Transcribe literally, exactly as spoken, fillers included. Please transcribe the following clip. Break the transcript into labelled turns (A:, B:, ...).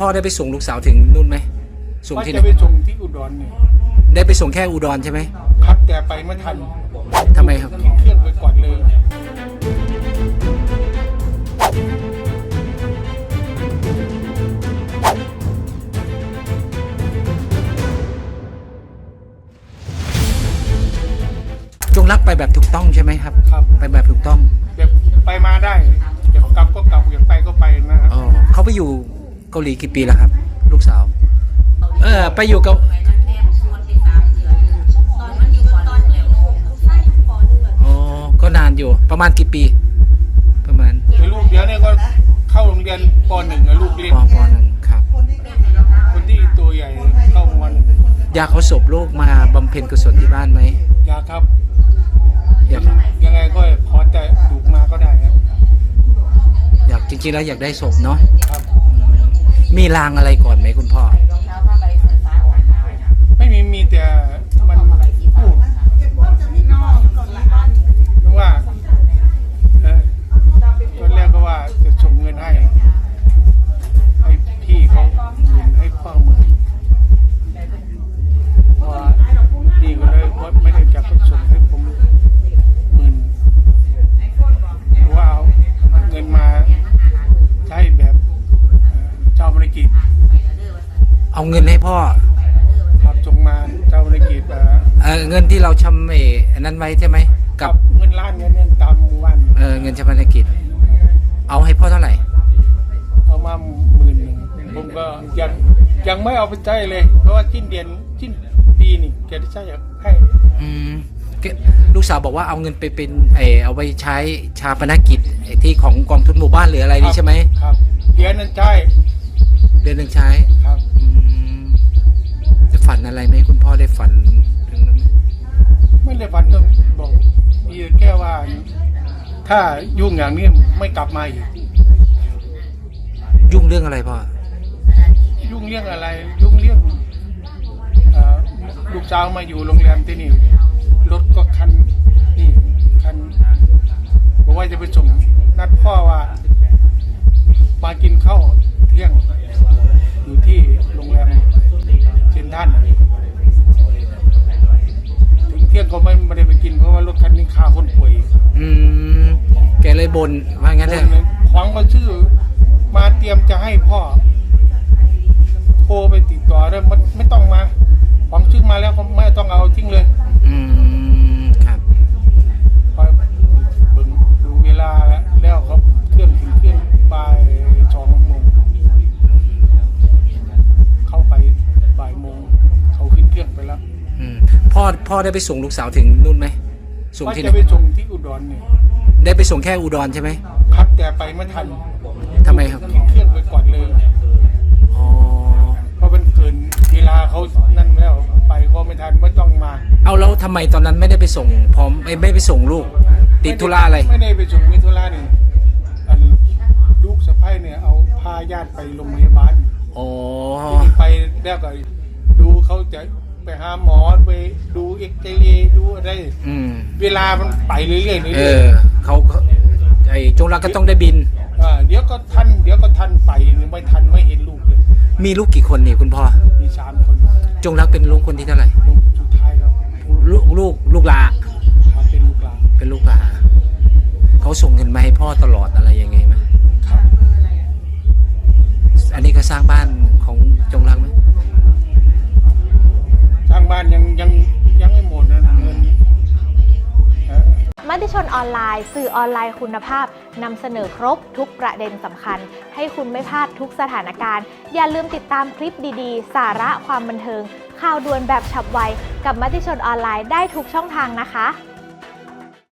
A: พ่อได้ไปส่งลูกสาวถึงนู่นไหมส่งที่ไหน
B: จะไปส่งที่อุดรนี่
A: ได้ไปส่งแค่อุดรใช่ไหม
B: ครับแต่ไปไม่ทัน
A: ทำไมครับ
B: เครื่องไปก่อนเลย
A: จงรักไปแบบถูกต้องใช่ไหมครับ
B: ครับ
A: ไปแบบถูกต้อง
B: แบบไปมาได้อยากกลับก็กลับอยากไปก็ไปนะครับ
A: อ๋อเขาไปอยู่เกาหลีกี่ปีแล้วครับลูกสาวเออไปอยู่กับอ๋อก็นานอยู่ประมาณกี่ปีประมาณ
B: ลูกเดี๋ยวนี้ก็เข้าโรงเรียนป.หนึ่งลูกเรียน
A: ป.ป.หนึ่งครับ
B: คนที่ตัวใหญ่เข้าวัน
A: อยากเขาศพลูกมาบำเพ็ญกุศลที่บ้านไหม
B: อยากครับ
A: อยาก
B: ยังไงก็ขอแต่ถูกมาก็ได้ครับ
A: อยากจริงๆแล้วอยากได้ศพเนาะ
B: ครับ
A: มีลางอะไรก่อนไหมคุณพ่อ
B: ไม่มีมีแต่มันพูดว่าเออตอนแรกก็ว่าจะส่งเงินให้ให้พี่เขาเงินให้พ่อมือว่าดีก็เลยว่าไม่ได้จะก็ส่งให้ผมหมื่นว่าเอาเงินมาใช้แบบเจ้าบริกิจ
A: เอาเงินให้พ่อ
B: ครับส่งมาเจ้าบริกิจ
A: เออเงินที่เราชำเออันนั้นไว้ใช่ไหม
B: กับเงินล้านเงินเนี่ยตามวัน
A: เออเงินชำระกิจเอาให้พ่อเท่าไหร่
B: เอามาหมื่นหนึ่งผมก็ยังยังไม่เอาไปใช้เลยเพราะว่าสิ้นเดือนสิ้นปีนี่แกจะใช้ให้
A: อืมลูกสาวบอกว่าเอาเงินไปเป็นไอเอาไปใช้ชาปนกิจไอที่ของกองทุนหมู่บ้านหรืออะไรนี่ใช่ไหม
B: ครับเดือนนั้นใช่
A: เดือนหนึ่งใช้
B: ครับ
A: จะฝันอะไรไหมคุณพ่อได้ฝันเรื่องนั้น
B: ไม่ได้ฝันต้องบอกมีแค่ว่าถ้ายุ่งอย่างนี้ไม่กลับมาอีก
A: ยุ่งเรื่องอะไรพ่อ
B: ยุ่งเรื่องอะไรยุ่งเรื่องลูกสาวมาอยู่โรงแรมที่นี่รถก็คันนี่คันบอกว่าจะไปส่งนัดพ่อว่ามากินข้าวเที่ยงอยู่ที่โรงแรมเซ็นทรัลถึงเที่ยงก็ไม่ไม่ได้ไปกินเพราะว่ารถคันนี้คาคนป่วย
A: อืมแกเลยบ่นว่างั้นเลย
B: ของก็ชื่อมาเตรียมจะให้พ่อโทรไปติดต่อแล้วไม่ไม่ต้องมาของชื่อมาแล้วก็ไม่ต้องเอาทิ้งเลย
A: อืมครับ
B: พอเบิ่งดูเวลาแล้วเขาเครื่องถึงเครื่องบ่ายสองโมงเข้าไปบ่ายโมงเขาขึ้นเครื่องไปแล้ว
A: อืมพ่อพ่อได้ไปส่งลูกสาวถึงนู่นไหม
B: ส่งที่ไหนจะไปส่งที่อุดรนี่
A: ได้ไปส่งแค่อุดรใช่ไหม
B: ครับแต่ไปไม่ทัน
A: ทำไมครับ
B: ขึ้นเครื่องไปก่อนเลย
A: อ๋อ
B: เพราะมันเกินเวลาเขานั่นแล้วไปก็ไม่ทันไม่ต้องมา
A: เอาแล้วทำไมตอนนั้นไม่ได้ไปส่งพร้อมไม่ไม่ไปส่งลูกติดธุระอะไร
B: ไม่ได้ไปส่งมีธุระนี่ลูกสะใภ้เนี่ยเอาพาญาติไปโรงพยาบาล
A: อ๋อ
B: ไปแล้วก็ดูเขาจะไปหาหมอไปดูเอ็กซเรย์ดูอะไรเวลามันไปเรื่อยๆเรื่อย
A: ๆเขาไอ้จงรักก็ต้องได้บิน
B: เดี๋ยวก็ทันเดี๋ยวก็ทันไปไม่ทันไม่เห็นลูกเลย
A: มีลูกกี่คนนี่คุณพ่อ
B: มีสามคน
A: จงรักเป็นลูกคนที่เท่าไหร่
B: ลูกสุดท้ายครับ
A: ลูกลูกลูกหลาน
B: เป็นลูกหลาน
A: เป็นลูกหลานเขาส่งเงินมาให้พ่อตลอดอะไรยังไงไหม
B: ครับ
A: อันนี้ก็สร้างบ้านของจงรักไหม
B: สร้างบ้านยังยังยังไม่หมดนะเงิน
C: มติชนออนไลน์สื่อออนไลน์คุณภาพนำเสนอครบทุกประเด็นสำคัญให้คุณไม่พลาดทุกสถานการณ์อย่าลืมติดตามคลิปดีๆสาระความบันเทิงข่าวด่วนแบบฉับไวกับมติชนออนไลน์ได้ทุกช่องทางนะคะ